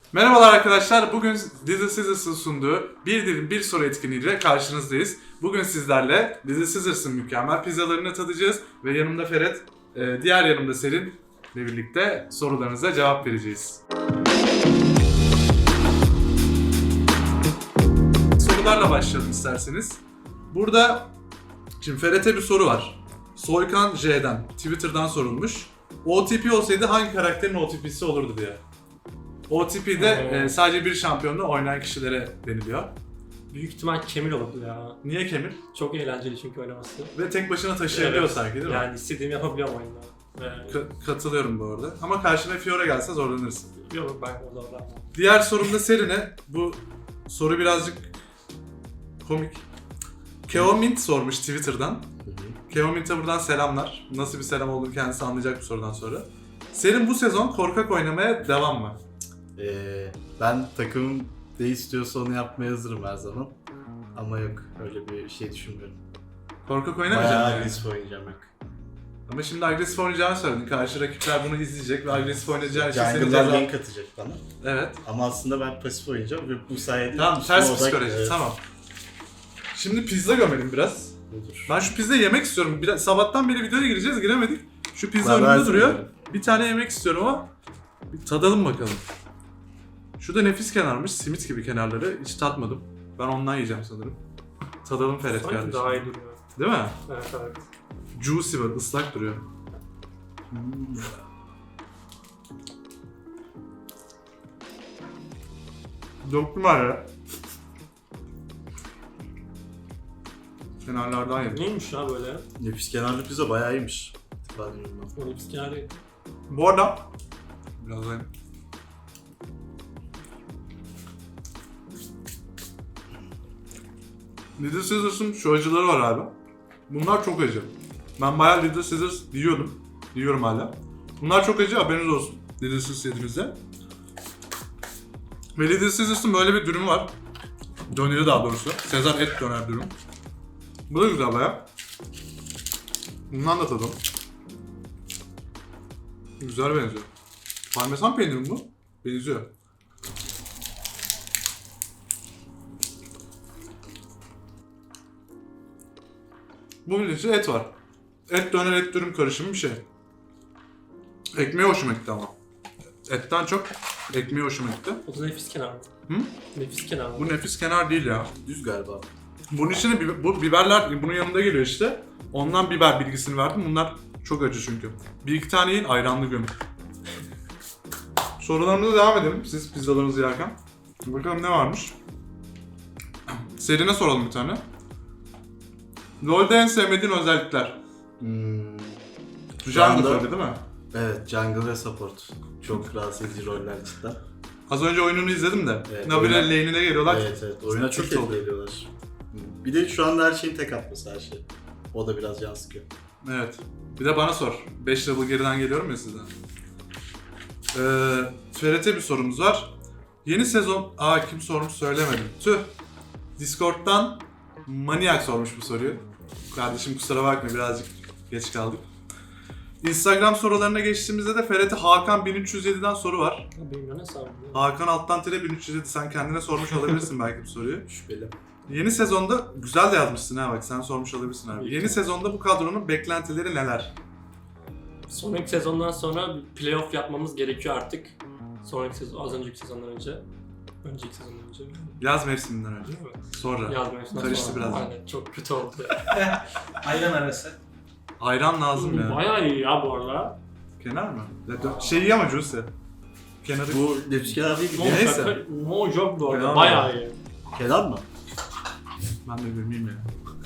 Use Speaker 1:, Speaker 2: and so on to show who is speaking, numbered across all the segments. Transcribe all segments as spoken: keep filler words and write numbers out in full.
Speaker 1: Merhabalar arkadaşlar, bugün Little Caesars'ın sunduğu Bir Dilim Bir Soru etkinliğiyle karşınızdayız. Bugün sizlerle Little Caesars'ın mükemmel pizzalarını tadacağız ve yanımda Ferhat, diğer yanımda Selin ile birlikte sorularınıza cevap vereceğiz. Sorularla başlayalım isterseniz. Burada şimdi Ferhat'e bir soru var. Soykan J'den, Twitter'dan sorulmuş. O T P olsaydı hangi karakterin O T P'si olurdu diye. O T P'de e, sadece bir şampiyonla oynayan kişilere deniliyor.
Speaker 2: Büyük ihtimal Kemil olurdu ya.
Speaker 1: Niye Kemir?
Speaker 2: Çok eğlenceli çünkü oynaması.
Speaker 1: Ve tek başına taşıyabiliyor
Speaker 2: Evet.
Speaker 1: sanki değil mi?
Speaker 2: Yani istediğimi yapabiliyorum oyunda. Evet.
Speaker 1: Ka- katılıyorum bu arada. Ama karşına Fiora gelse zorlanırsın.
Speaker 2: Yok ben o zaman.
Speaker 1: Diğer sorum da Serin'e. Bu soru birazcık komik. Keomint sormuş Twitter'dan. Keomint'e buradan selamlar. Nasıl bir selam olduğunu kendisi anlayacak bu sorudan sonra. Serin bu sezon korkak oynamaya devam mı?
Speaker 3: Ee, ben takımım ne istiyorsa onu yapmaya hazırım her zaman. Ama yok, öyle bir şey düşünmüyorum.
Speaker 1: Korkak
Speaker 3: Bayağı
Speaker 1: oynamayacağım yani.
Speaker 3: agresif oynayacağım yok.
Speaker 1: Ama şimdi agresif oynayacağını söyledin. Karşı rakipler bunu izleyecek ve agresif oynayacağın için seni
Speaker 3: Jungle'dan
Speaker 1: ceza...
Speaker 3: gank atacak bana.
Speaker 1: Evet.
Speaker 3: Ama aslında ben pasif oynayacağım ve bu sayede...
Speaker 1: Tamam,
Speaker 3: üstüme
Speaker 1: ters
Speaker 3: odak-
Speaker 1: psikoloji.
Speaker 3: Evet,
Speaker 1: Tamam. Şimdi pizza gömelim biraz.
Speaker 3: budur.
Speaker 1: Ben şu pizzayı yemek istiyorum. Biraz, sabahtan beri videoya gireceğiz, giremedik. Şu pizza
Speaker 3: Ben
Speaker 1: önümde
Speaker 3: versin
Speaker 1: duruyor.
Speaker 3: yani.
Speaker 1: Bir tane yemek istiyorum ama bir tadalım bakalım. Şu da nefis kenarmış, simit gibi kenarları. Hiç tatmadım. Ben ondan yiyeceğim sanırım. Tadalım Ferhat
Speaker 2: Sanki
Speaker 1: kardeşim.
Speaker 2: daha iyi duruyor.
Speaker 1: Değil mi?
Speaker 2: Evet evet.
Speaker 1: Juicy var, ıslak duruyor. Döktüm var ya. Kenarlardan yedim.
Speaker 2: Neymiş ya böyle?
Speaker 3: Nefis kenarlı pizza bayağı iyiymiş. Ben bilmiyorum.
Speaker 2: Böyle bir yani.
Speaker 1: Bu arada biraz da Little Caesars'ın şu acıları var abi. Bunlar çok acı. Ben bayağı Little Caesars yiyordum. Yiyorum hala. Bunlar çok acı, haberiniz olsun. Little Caesars yediğinizde. Ve Little Caesars'ın böyle bir dürümü var. Döneri daha doğrusu. Sezar et döner dürüm. Bu da güzel bayağı. Bundan da tadalım. Güzel benziyor. Parmesan peyniri mi bu? Benziyor. Bunun içinde et var. Et döner et dürüm karışımı bir şey. Ekmeği hoşuma gitti ama. Etten çok ekmeği hoşuma gitti.
Speaker 2: O da nefis kenar mı?
Speaker 1: Hı?
Speaker 2: Nefis kenar mı?
Speaker 1: Bu nefis kenar değil ya.
Speaker 3: Düz galiba.
Speaker 1: Bunun içine bi- bu biberler bunun yanında geliyor işte. Ondan biber bilgisini verdim. Bunlar çok acı çünkü. Bir iki tane yiyin, ayranlı gömün. Sorularımıza devam edelim siz pizzalarınızı yerken. Bakalım ne varmış. Serine soralım bir tane. LoL'de en sevmediğin özellikler.
Speaker 3: Hmm.
Speaker 1: Jungle
Speaker 3: anda-
Speaker 1: tabii değil mi?
Speaker 3: Evet, jungle ve support. Çok rahatsız edici roller cidden.
Speaker 1: Az önce oyununu izledim de.
Speaker 3: Evet,
Speaker 1: Nabile
Speaker 3: oyuna-
Speaker 1: lane'ine geliyorlar.
Speaker 3: Evet evet, oyuna çok
Speaker 1: Tilt oldu.
Speaker 3: etki ediyorlar. Hmm. Bir de şu anda her şeyin tek atması her şey. O da biraz can sıkıyor.
Speaker 1: Evet. Bir de bana sor. beş level geriden geliyorum ya sizden. Ee, Ferhat'e bir sorumuz var. Yeni sezon... Aa kim sormuş söylemedim. Tüh. Discord'dan Maniac sormuş bu soruyu. Kardeşim kusura bakma birazcık geç kaldık. Instagram sorularına geçtiğimizde de Ferhat'e Hakan bin üç yüz yedi'den soru var.
Speaker 2: Bilmiyorum ne sanırım.
Speaker 1: Hakan alttan tire bin üç yüz yedi. Sen kendine sormuş olabilirsin belki bu soruyu.
Speaker 3: Şüpheli.
Speaker 1: Yeni sezonda güzel de yazmışsın ha bak sen sormuş olabilirsin abi.
Speaker 2: İyi
Speaker 1: Yeni
Speaker 2: ki.
Speaker 1: sezonda bu kadronun beklentileri neler?
Speaker 2: Sonraki sezondan sonra bir playoff yapmamız gerekiyor artık. Sonraki sezon, az önceki sezondan önce. Önceki sezondan önce.
Speaker 1: Yaz mevsiminden önce.
Speaker 2: Değil mi?
Speaker 1: Sonra.
Speaker 2: Yaz mevsimden
Speaker 1: Karıştı
Speaker 2: sonra.
Speaker 1: biraz.
Speaker 2: Aynen çok kötü oldu.
Speaker 4: Ayran arası.
Speaker 1: Ayran lazım ya.
Speaker 2: Bayağı iyi ya bu arada.
Speaker 1: Kenar mı? Şey iyi ama Juicy. Kenarı...
Speaker 3: Bu nefis kenar değil
Speaker 2: No,
Speaker 3: mi?
Speaker 1: Neyse.
Speaker 2: şaka, no joke bu arada.
Speaker 1: Kenar
Speaker 2: Bayağı
Speaker 1: mı?
Speaker 2: iyi.
Speaker 3: Kenar mı?
Speaker 1: Ben de bilmeyeyim ya.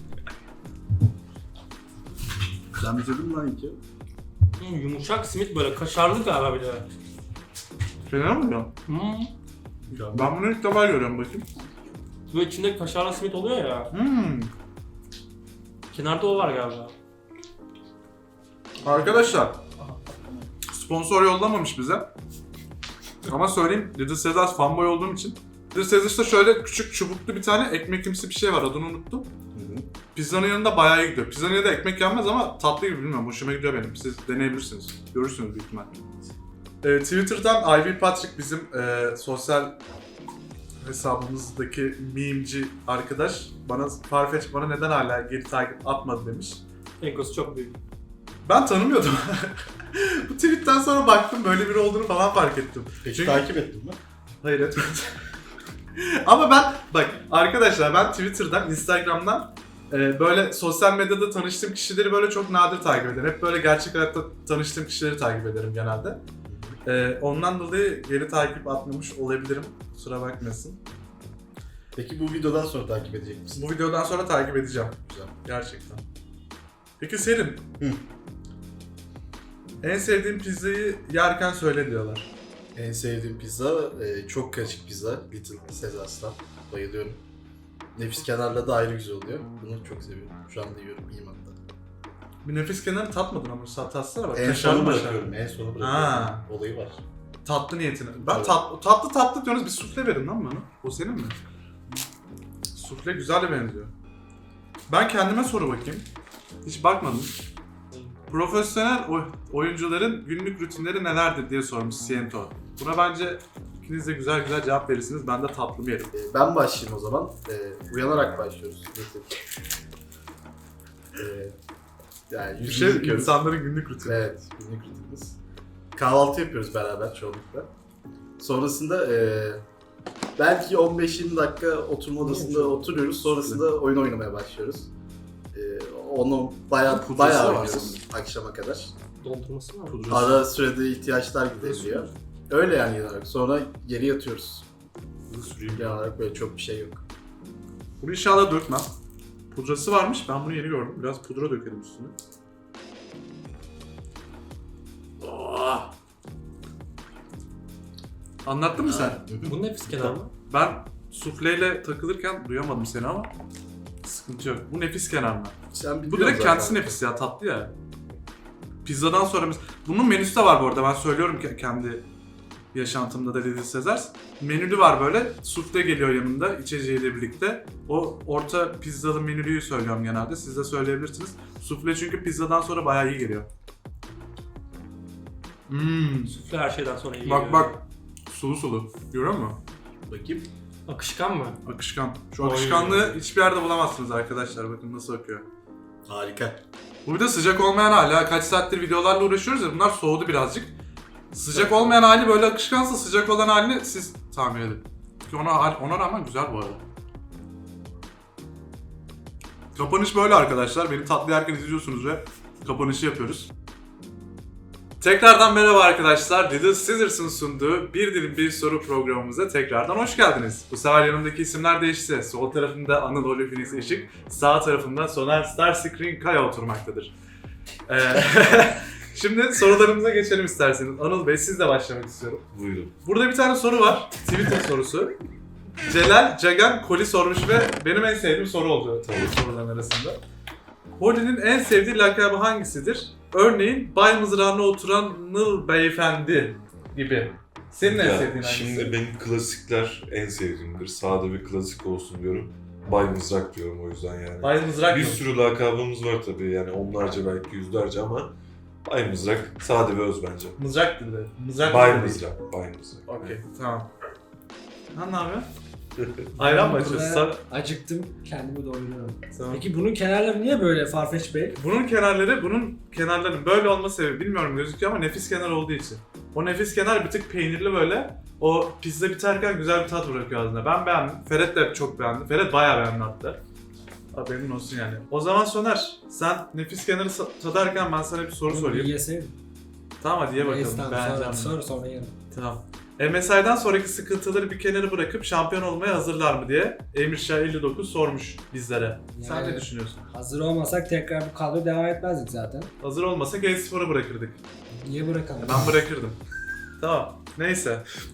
Speaker 3: Sen bitirdin mi lan iki?
Speaker 2: Hmm, yumuşak simit böyle kaşarlı galiba bir de.
Speaker 1: Kenar mı ya?
Speaker 2: Hmm.
Speaker 1: Ben bunu ilk defa görüyorum bakayım.
Speaker 2: Böyle içinde kaşarlı simit oluyor ya.
Speaker 1: Hmm.
Speaker 2: Kenarda o var galiba.
Speaker 1: Arkadaşlar. Sponsor yollamamış bize. Ama söyleyeyim Little Caesars fanboy olduğum için. Little Caesars'ta şöyle küçük çubuklu bir tane ekmekimsi bir şey var adını unuttum.
Speaker 3: Hı hı.
Speaker 1: Pizzanın yanında bayağı iyi gidiyor. Pizzanın yanında ekmek yenmez ama tatlı gibi bilmiyorum. Hoşuma gidiyor benim. Siz deneyebilirsiniz. Görürsünüz büyük ihtimal. Ee, Twitter'dan Ivy Patrick bizim e, sosyal hesabımızdaki memeci arkadaş bana Farfetch bana neden hala geri takip atmadı demiş.
Speaker 2: Egosu çok büyük.
Speaker 1: Ben tanımıyordum. Bu tweetten sonra baktım böyle biri olduğunu falan fark ettim.
Speaker 3: Peki
Speaker 1: Çünkü-
Speaker 3: takip ettin mi?
Speaker 1: Hayır etmedim. Ama ben bak arkadaşlar ben Twitter'dan, Instagram'dan e, böyle sosyal medyada tanıştığım kişileri böyle çok nadir takip ederim. Hep böyle gerçek hayatta tanıştığım kişileri takip ederim genelde. E, ondan dolayı geri takip atmamış olabilirim. Kusura bakmasın.
Speaker 3: Peki bu videodan sonra takip edecek misin?
Speaker 1: Bu videodan sonra takip edeceğim.
Speaker 3: Güzel.
Speaker 1: Gerçekten. Peki Serin.
Speaker 3: Hı.
Speaker 1: En sevdiğin pizzayı yerken söyle diyorlar.
Speaker 3: En sevdiğim pizza e, çok karışık pizza. Little Caesars'tan. Bayılıyorum. Nefis kenarla da ayrı güzel oluyor. Bunu çok seviyorum. Şu anda yiyorum. İyiyim hatta.
Speaker 1: Bir nefis kenarı tatmadın ama sat tatsana bak.
Speaker 3: En
Speaker 1: Kaşarlı
Speaker 3: sonu
Speaker 1: maşarlı.
Speaker 3: bırakıyorum. En sonu bırakıyorum.
Speaker 1: Ha.
Speaker 3: Olayı var.
Speaker 1: Tatlı niyetine. Ben
Speaker 3: Evet.
Speaker 1: tat, tatlı tatlı diyorsunuz bir sufle verin lan bana. O senin mi? Sufle güzel de benziyor. Ben kendime soru bakayım. Hiç bakmadım. Profesyonel oy- oyuncuların günlük rutinleri nelerdir diye sormuş Siento. Buna bence ikiniz de güzel güzel cevap verirsiniz. Ben de tatlımı yerim.
Speaker 3: E, ben başlayayım o zaman. E, uyanarak başlıyoruz. E, yani
Speaker 1: Bir
Speaker 3: yüzümüzü
Speaker 1: şey
Speaker 3: yıkıyoruz.
Speaker 1: insanların günlük rutini.
Speaker 3: Evet, günlük rutinimiz. Kahvaltı yapıyoruz beraber çoğunlukla. Sonrasında e, belki on beş yirmi dakika oturma odasında oturuyoruz. Sonrasında oyun oynamaya başlıyoruz. E, onu bayağı
Speaker 1: Pudrası
Speaker 3: bayağı
Speaker 1: var
Speaker 3: oynuyoruz akşama kadar.
Speaker 2: Dondurması var mı?
Speaker 1: Pudrası.
Speaker 3: Ara sürede ihtiyaçlar gideriliyor. Öyle yani genel olarak. Sonra geri yatıyoruz. Genel olarak böyle çok bir şey yok.
Speaker 1: Bunu inşallah dökmem. Pudrası varmış. Ben bunu yeni gördüm. Biraz pudra dökelim üstüne. Oh! Anlattın mı sen?
Speaker 2: Bu nefis kenar mı?
Speaker 1: Ben sufleyle takılırken duyamadım seni ama sıkıntı yok. Bu nefis kenar mı?
Speaker 3: Sen
Speaker 1: Bu
Speaker 3: biliyorsun
Speaker 1: direkt
Speaker 3: zaten.
Speaker 1: kendisi nefis ya, tatlı ya. Pizzadan sonra mes- bunun menüsü de var bu arada, ben söylüyorum ki kendi yaşantımda da Little Caesars. Menülü var böyle, sufle geliyor yanında içeceğiyle birlikte. O orta pizzalı menülüyü söylüyorum genelde, siz de söyleyebilirsiniz. Sufle çünkü pizzadan sonra bayağı iyi geliyor. Hmm.
Speaker 2: Sufle her şeyden sonra iyi
Speaker 1: Bak
Speaker 2: geliyor.
Speaker 1: bak, sulu sulu. Görüyor musun?
Speaker 3: Bakayım.
Speaker 2: Akışkan mı?
Speaker 1: Akışkan. Şu
Speaker 2: Oy.
Speaker 1: akışkanlığı hiçbir yerde bulamazsınız arkadaşlar. Bakın nasıl akıyor.
Speaker 3: Harika.
Speaker 1: Bu bir de sıcak olmayan hali. Ha, kaç saattir videolarla uğraşıyoruz ya, bunlar soğudu birazcık. Sıcak olmayan hali böyle akışkansa, sıcak olan halini siz tahmin edin. Ki ona, ona rağmen güzel bu arada. Kapanış böyle arkadaşlar. Beni tatlı yerken izliyorsunuz ve kapanışı yapıyoruz. Tekrardan merhaba arkadaşlar. Little Caesars'ın sunduğu Bir Dilim Bir Soru programımıza tekrardan hoş geldiniz. Bu sefer yanımdaki isimler değişti. Sol tarafımda Anıl Olifiniz Işık, sağ tarafımda Soner Starscreen Kaya oturmaktadır. Ee, Şimdi sorularımıza geçelim isterseniz. Anıl Bey, sizle başlamak istiyorum.
Speaker 5: Buyurun.
Speaker 1: Burada bir tane soru var. Twitter sorusu. Celal Cagan Koli sormuş ve benim en sevdiğim soru oldu tabii soruların arasında. Holly'nin en sevdiği lakabı hangisidir? Örneğin Bay Mızrağı'na oturan Nıl Beyefendi gibi. Senin en
Speaker 5: Ya,
Speaker 1: sevdiğin hangisi?
Speaker 5: şimdi benim klasikler en sevdiğimdir. Sade bir klasik olsun diyorum. Bay Mızrak diyorum o yüzden yani.
Speaker 1: Bay Mızrak
Speaker 5: bir
Speaker 1: mı?
Speaker 5: sürü lakabımız var tabii yani onlarca belki yüzlerce ama Bay Mızrak sade ve öz bence.
Speaker 1: Mızrak dedi. Mızrak
Speaker 5: Bay
Speaker 1: dedi.
Speaker 5: Mızrak, Bay Mızrak.
Speaker 1: Okey, tamam. Ha, ne yapıyor? Ayran mı açıyorsun?
Speaker 6: Burada
Speaker 1: Sa-
Speaker 6: acıktım, kendimi doyuruyorum.
Speaker 1: Tamam.
Speaker 6: Peki bunun kenarları niye böyle Farfetch Bey?
Speaker 1: Bunun kenarları, bunun kenarlarının böyle olma sebebi bilmiyorum gözüküyor ama nefis kenar olduğu için. O nefis kenar bir tık peynirli böyle. O pizza biterken güzel bir tat bırakıyor ağzına. Ben beğendim. Ferhat de çok beğendi. Ferhat bayağı beğendi hatta. Haberin olsun yani. O zaman Soner, sen nefis kenarı sa- tadarken ben sana bir soru
Speaker 6: Bunu
Speaker 1: sorayım.
Speaker 6: bir yeseydim.
Speaker 1: Tamam hadi ye bakalım.
Speaker 6: Neyse, tamam,
Speaker 1: Beğeneceğim.
Speaker 6: sonra,
Speaker 1: mi?
Speaker 6: sonra sonra yerim.
Speaker 1: Tamam. M S I'den sonraki sıkıntıları bir kenara bırakıp şampiyon olmaya hazırlar mı diye Emirşah elli dokuz sormuş bizlere. Sen
Speaker 6: Yani-
Speaker 1: ne düşünüyorsun?
Speaker 6: Hazır olmasak tekrar bu kadro devam etmezdik zaten.
Speaker 1: Hazır olmasak e-spor'a bırakırdık.
Speaker 6: Niye bırakalım?
Speaker 1: Ben bırakırdım. Tamam. Neyse.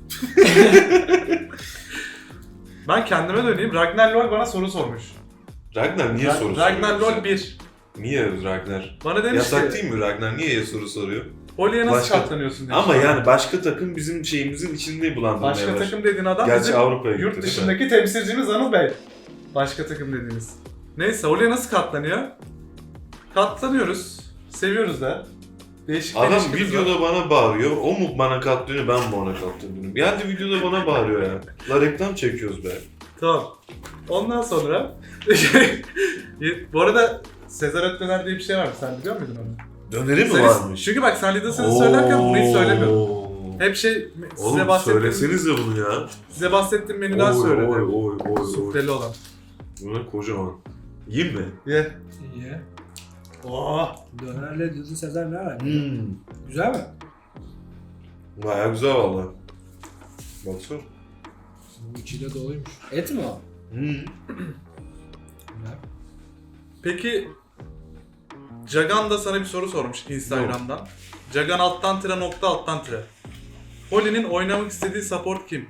Speaker 1: Ben kendime döneyim. Ragnar Lol bana soru sormuş.
Speaker 5: Ragnar niye
Speaker 1: Ra-
Speaker 5: soru
Speaker 1: Ragnar
Speaker 5: soruyor?
Speaker 1: Lol bir.
Speaker 5: Niye Ragnar?
Speaker 1: Bana demiş
Speaker 5: Yasak
Speaker 1: ki,
Speaker 5: değil mi Ragnar? Niye soru soruyor?
Speaker 1: Holly'e nasıl
Speaker 5: Başka-
Speaker 1: katlanıyorsun demiş.
Speaker 5: Ama yani başka takım bizim şeyimizin içinde bulandırmaya
Speaker 1: Başka
Speaker 5: başladı.
Speaker 1: takım dediğin adam
Speaker 5: Gerçi
Speaker 1: bizim
Speaker 5: Avrupa'ya gitti,
Speaker 1: yurt
Speaker 5: değil mi?
Speaker 1: dışındaki temsilcimiz Anıl Bey. Başka takım dediğiniz. Neyse, Holly'e nasıl katlanıyor? Katlanıyoruz. Seviyoruz da. Değişik
Speaker 5: Adam
Speaker 1: değişikimiz var.
Speaker 5: videoda bana bağırıyor. O mu bana katlanıyor, ben mi ona katlanıyorum? Yani videoda bana bağırıyor ya. La reklam çekiyoruz be.
Speaker 1: Tamam. Ondan sonra bu arada Sezar Ötmeler diye bir şey var. Sen biliyor muydun onu?
Speaker 5: Döneri mi
Speaker 1: Sen-
Speaker 5: varmış?
Speaker 1: Çünkü bak sen Lidas'ını söylerken bunu hiç söylemiyordun.
Speaker 5: Oo.
Speaker 1: Hep şey size
Speaker 5: Oğlum
Speaker 1: bahsettiğim,
Speaker 5: söylesenize bunu ya.
Speaker 1: size bahsettiğim menüden
Speaker 5: Oy
Speaker 1: söyledi.
Speaker 5: oy oy oy oy.
Speaker 1: Sufteli olan.
Speaker 5: Bu ne kocaman. Yiyeyim mi?
Speaker 1: Ye.
Speaker 6: İyi.
Speaker 1: Oh.
Speaker 6: Dönerle düzü Sezer ne alaka?
Speaker 5: Hmm.
Speaker 6: Güzel mi?
Speaker 5: Baya güzel valla. Baksana.
Speaker 6: Bu içi de doluymuş. Et mi o?
Speaker 5: Hmm.
Speaker 6: Güzel.
Speaker 1: Peki Cagan da sana bir soru sormuş Instagram'dan. Cagan alttan tire nokta alttan tire. Holly'nin oynamak istediği support kim?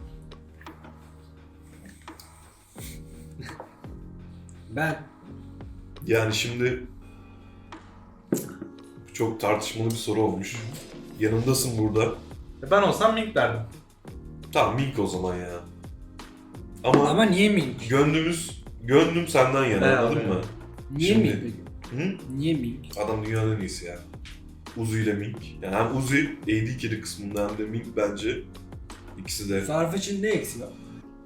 Speaker 6: Ben.
Speaker 5: Yani şimdi çok tartışmalı bir soru olmuş. Yanımdasın burada.
Speaker 1: Ben olsam Mink derdim.
Speaker 5: Tamam Mink o zaman ya. Ama,
Speaker 6: Ama niye Mink?
Speaker 5: gönlümüz, gönlüm senden yana
Speaker 1: Evet,
Speaker 5: anladın
Speaker 1: evet.
Speaker 5: mı?
Speaker 6: Niye
Speaker 5: Şimdi-
Speaker 6: Mink peki?
Speaker 5: Hı?
Speaker 6: Niye Mink?
Speaker 5: Adam dünyanın en iyisi ya. Uzi ile Mink. Yani hem Uzi A D carry kısmında hem de Mink bence ikisi de.
Speaker 6: Farfetch'in ne eksiği var?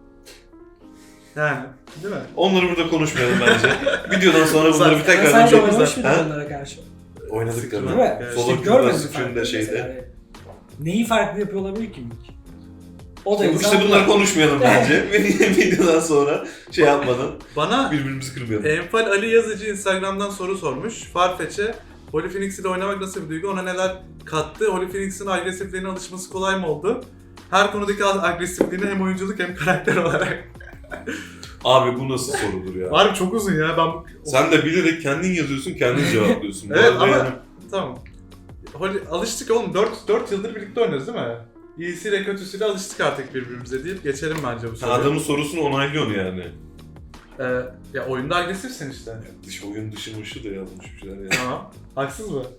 Speaker 1: Yani değil mi?
Speaker 5: Onları burada konuşmayalım bence. Videodan sonra bunları bir
Speaker 6: Ama
Speaker 5: tekrar
Speaker 6: sen de
Speaker 5: konuşalım.
Speaker 6: oynamış mıydın
Speaker 5: Ha?
Speaker 6: onlara karşı?
Speaker 5: Oynadık tabii.
Speaker 6: Değil mi?
Speaker 1: Evet.
Speaker 5: Solo
Speaker 6: İşte
Speaker 5: queue'da,
Speaker 6: görmedin mi
Speaker 5: screen'de,
Speaker 6: farkı
Speaker 5: şeyde.
Speaker 6: mesela? Yani neyi farklı yapıyor olabilir ki Mink? O da
Speaker 5: İşte
Speaker 6: insan-
Speaker 5: bunları konuşmayalım bence. Videodan sonra şey yapmadan
Speaker 1: Bana
Speaker 5: birbirimizi kırmayalım.
Speaker 1: Enfal Ali Yazıcı Instagram'dan soru sormuş. Farfetch'e Holy Phoenix ile oynamak nasıl bir duygu? Ona neler kattı? Holy Phoenix'in agresifliğine alışması kolay mı oldu? Her konudaki agresifliğini hem oyunculuk hem karakter olarak.
Speaker 5: Abi bu nasıl sorudur ya?
Speaker 1: Var çok uzun ya ben...
Speaker 5: Sen de bilerek kendin yazıyorsun, kendin cevaplıyorsun. Bu
Speaker 1: Evet
Speaker 5: arada
Speaker 1: ama
Speaker 5: yani-
Speaker 1: tamam. Holy, alıştık oğlum dört yıldır birlikte oynuyoruz değil mi? İyisiyle kötüsüyle alıştık artık birbirimize deyip geçelim bence bu
Speaker 5: Sen
Speaker 1: soruyu.
Speaker 5: adamın sorusunu onaylıyorsun yani.
Speaker 1: Ee, ya oyunda agresifsin işte.
Speaker 5: Dış oyun dışı mışı da yazmış bir şeyler ya.
Speaker 1: Tamam. Haksız mı?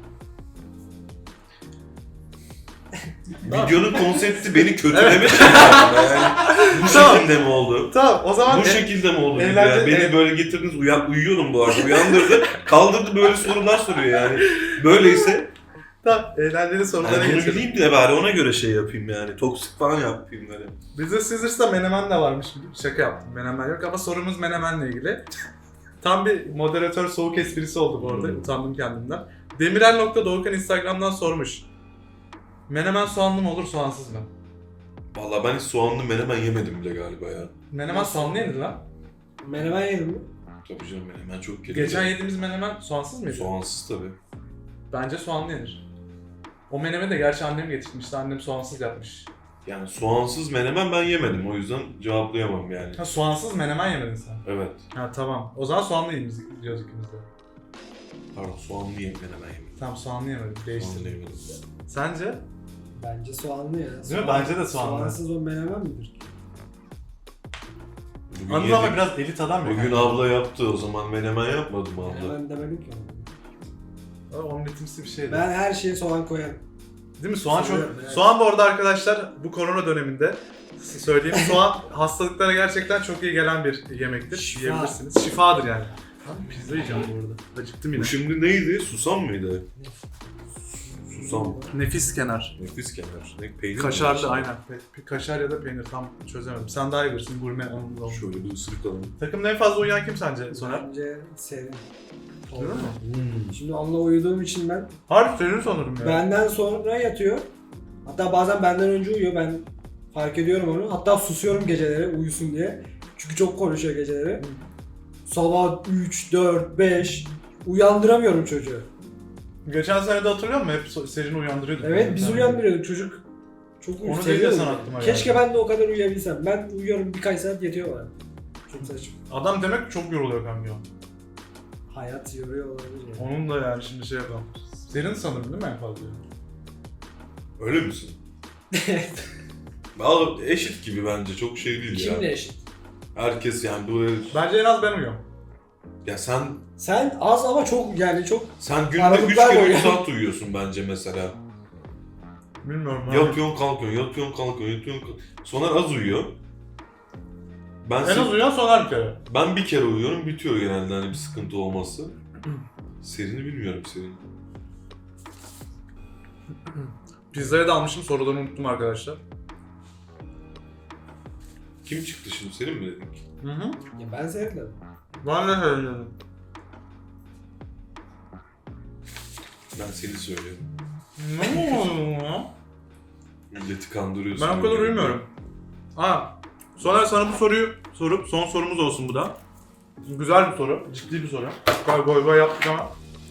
Speaker 5: Videonun konsepti beni kötülemek için yani. Bu
Speaker 1: Tamam.
Speaker 5: şekilde mi oldu?
Speaker 1: Tamam o zaman...
Speaker 5: Bu şekilde mi oldu?
Speaker 1: Eğlence-
Speaker 5: Ya? Beni
Speaker 1: eğ-
Speaker 5: böyle getirdiniz, uyan, uyuyordum bu arada. Uyandırdı, kaldırdı böyle sorular soruyor yani. Böyleyse
Speaker 1: Tamam, eğlenceli sorulara
Speaker 5: yani bunu
Speaker 1: geçelim.
Speaker 5: bileyim de bari ona göre şey yapayım yani. Toksik falan yapayım böyle.
Speaker 1: Bizde Caesars'ta menemen de varmış. Şaka yaptım. Menemen yok ama sorumuz menemenle ilgili. Tam bir moderatör soğuk esprisi oldu bu arada.
Speaker 5: Hmm.
Speaker 1: Utandım kendimden. Demirel.Doğukan Instagram'dan sormuş. Menemen soğanlı mı olur soğansız mı?
Speaker 5: Vallahi ben hiç soğanlı menemen yemedim bile galiba ya.
Speaker 1: Menemen soğanlı yenir lan.
Speaker 6: Menemen yedin mi?
Speaker 5: Tabii canım menemen çok geliyor.
Speaker 1: Geçen yediğimiz menemen soğansız mıydı?
Speaker 5: Soğansız tabii.
Speaker 1: Bence soğanlı yenir. O menemeni de gerçi annem getirmişti. Annem soğansız yapmış.
Speaker 5: Yani soğansız menemen ben yemedim o yüzden cevaplayamam yani.
Speaker 1: Ha soğansız menemen yemedin sen.
Speaker 5: Evet.
Speaker 1: Ha tamam. O zaman soğanlı yiyiz diyoruz ikimiz de.
Speaker 5: Pardon soğanlı yem menemen yemedim.
Speaker 1: Tamam soğanlı yemedim.
Speaker 5: Soğanlı
Speaker 1: Değiştirdim.
Speaker 5: yemedim.
Speaker 1: Sence?
Speaker 6: Bence soğanlı ya.
Speaker 1: Değil mi? Bence de soğanlı.
Speaker 6: Soğansız o menemen midir?
Speaker 5: Bugün
Speaker 1: Anıl ama
Speaker 5: yedik.
Speaker 1: biraz elit adam ya.
Speaker 5: Bugün abla yaptı o zaman menemen yapmadı mı abla?
Speaker 6: Menemen demedim ki.
Speaker 1: Ama omletimsi bir şeydi.
Speaker 6: Ben her şeye soğan koyarım.
Speaker 1: Değil mi? Soğan çok...
Speaker 6: Seviyorum, evet.
Speaker 1: Soğan bu arada arkadaşlar bu korona döneminde size söyleyeyim. Soğan hastalıklara gerçekten çok iyi gelen bir yemektir.
Speaker 6: Şifa.
Speaker 1: Yiyebilirsiniz. Şifadır yani. Abi pizza yiyeceğim bu arada. Acıktım yine.
Speaker 5: Bu şimdi neydi? Susam mıydı? Susam.
Speaker 1: Nefis kenar.
Speaker 5: Nefis kenar. Ne peynir mi
Speaker 1: Kaşarlı
Speaker 5: var?
Speaker 1: aynen. Pe- Kaşar ya da peynir tam çözemedim. Sen daha iyi bilirsin gurme anlamında oldu.
Speaker 5: Şöyle bir ısırık alalım.
Speaker 1: Takımda en fazla uyuyan kim sence Soner?
Speaker 6: Bence senin.
Speaker 1: Öyle mi?
Speaker 6: Şimdi onunla uyuduğum için ben
Speaker 1: Harbi senin sanırım ya.
Speaker 6: benden sonra yatıyor. Hatta bazen benden önce uyuyor. Ben fark ediyorum onu. Hatta susuyorum geceleri uyusun diye. Çünkü çok konuşuyor geceleri. Sabah üç, dört, beş uyandıramıyorum çocuğu.
Speaker 1: Geçen sene de hatırlıyor musun? Hep so- Serini uyandırıyorduk.
Speaker 6: Evet biz
Speaker 1: Yani.
Speaker 6: uyandırıyorduk çocuk. Çok
Speaker 1: Onu
Speaker 6: seviyorum.
Speaker 1: dediğin aklıma
Speaker 6: Keşke
Speaker 1: geldi.
Speaker 6: ben de o kadar uyuyabilsem. Ben uyuyorum birkaç saat yetiyor bana. Çok saçma.
Speaker 1: Adam demek ki çok yoruluyor kanka.
Speaker 6: Hayat yoruyor olabilir. Yani.
Speaker 1: Onun da yani şimdi şey yapalım. Senin sanırım değil mi en fazla?
Speaker 5: Öyle misin? Vallahi eşit gibi bence. Çok şey değil ya.
Speaker 6: Kimle eşit?
Speaker 5: Herkes yani böyle...
Speaker 1: Bence en az ben uyuyorum.
Speaker 5: Ya sen
Speaker 6: Sen az ama çok yani çok
Speaker 5: sen günde üç
Speaker 6: Aralıklar
Speaker 5: kere
Speaker 6: boyu.
Speaker 5: üç saat uyuyorsun bence mesela.
Speaker 1: Bilmiyorum. abi.
Speaker 5: Yatıyorsun kalkıyorsun, yatıyorsun kalkıyorsun, yatıyorsun kalkıyorsun. Soner az uyuyor. Ben,
Speaker 1: En
Speaker 5: se-
Speaker 1: az uyuyan Soner bir kere.
Speaker 5: ben bir kere uyuyorum, bitiyor genelde hani bir sıkıntı olması. Serini bilmiyorum senin.
Speaker 1: Pizzaya da almışım, soruları unuttum arkadaşlar.
Speaker 5: Kim çıktı şimdi? Senin mi dedik?
Speaker 1: Hı hı.
Speaker 6: Ya ben sevdim.
Speaker 1: Ben de söylüyorum.
Speaker 5: Ben seni söylüyorum.
Speaker 1: Ne oluyor ya?
Speaker 5: Milleti kandırıyorsun.
Speaker 1: Ben o kadar uyumuyorum. Ha, sonra sana bu soruyu sorup son sorumuz olsun bu da. Güzel bir soru, ciddi bir soru. Goy goy goy yaptık ama.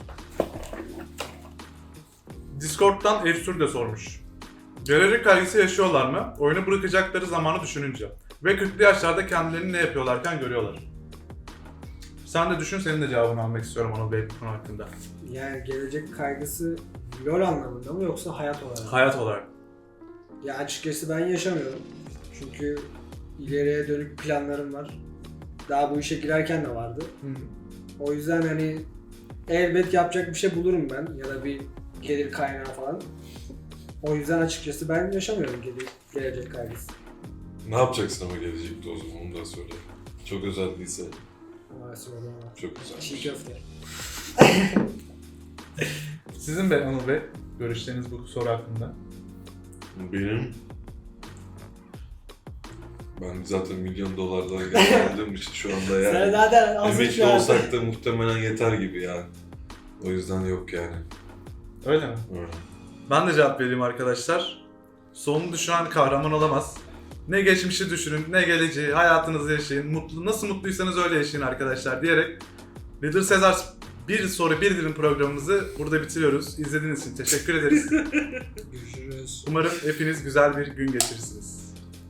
Speaker 1: Discord'dan Efsur de sormuş. Gelecek kaygısı yaşıyorlar mı? Oyunu bırakacakları zamanı düşününce. Ve kırklı yaşlarda kendilerini ne yapıyorlarken görüyorlar. Sen de düşün, senin de cevabını almak istiyorum onun Bey bu konu hakkında.
Speaker 6: Yani gelecek kaygısı LoL anlamında mı yoksa hayat olarak mı?
Speaker 1: Hayat olarak.
Speaker 6: Ya açıkçası ben yaşamıyorum. Çünkü ileriye dönük planlarım var. Daha bu işe girerken de vardı. O yüzden hani elbet yapacak bir şey bulurum ben ya da bir gelir kaynağı falan. O yüzden açıkçası ben yaşamıyorum gele- gelecek kaygısı.
Speaker 5: Ne yapacaksın ama gelecekte o zaman onu da söyle. Çok özel değilse
Speaker 6: Maalesef öyle ama.
Speaker 5: çok güzel.
Speaker 6: Çiğ köfte.
Speaker 1: Sizin Bey, Anıl Bey, görüşleriniz bu soru hakkında.
Speaker 5: Benim... Ben zaten milyon dolardan geldiğim için şu anda yani.
Speaker 6: Sen zaten azıcık
Speaker 5: Emekli
Speaker 6: şu an-
Speaker 5: olsak da muhtemelen yeter gibi yani. O yüzden yok yani.
Speaker 1: Öyle mi?
Speaker 5: Öyle.
Speaker 1: Ben de cevap vereyim arkadaşlar. Sonunu düşünen kahraman olamaz. Ne geçmişi düşünün, ne geleceği, hayatınızı yaşayın. Mutlu, nasıl mutluysanız öyle yaşayın arkadaşlar diyerek Little Caesars bir soru bir dilim programımızı burada bitiriyoruz. İzlediğiniz için teşekkür ederiz.
Speaker 6: Görüşürüz.
Speaker 1: Umarım hepiniz güzel bir gün geçirirsiniz.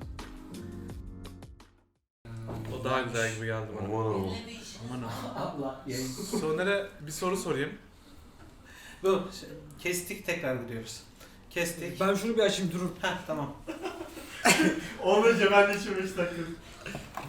Speaker 1: O daha güzel gibi geldi bana.
Speaker 5: Aman aman.
Speaker 1: Aman aman.
Speaker 4: Allah yayın.
Speaker 1: Soner'e bir soru sorayım.
Speaker 4: Bu şey, kestik tekrar gidiyoruz. Kestik.
Speaker 6: Ben şunu bir açayım durun.
Speaker 4: Heh tamam.
Speaker 3: Olmayınca ben de içim beş dakika.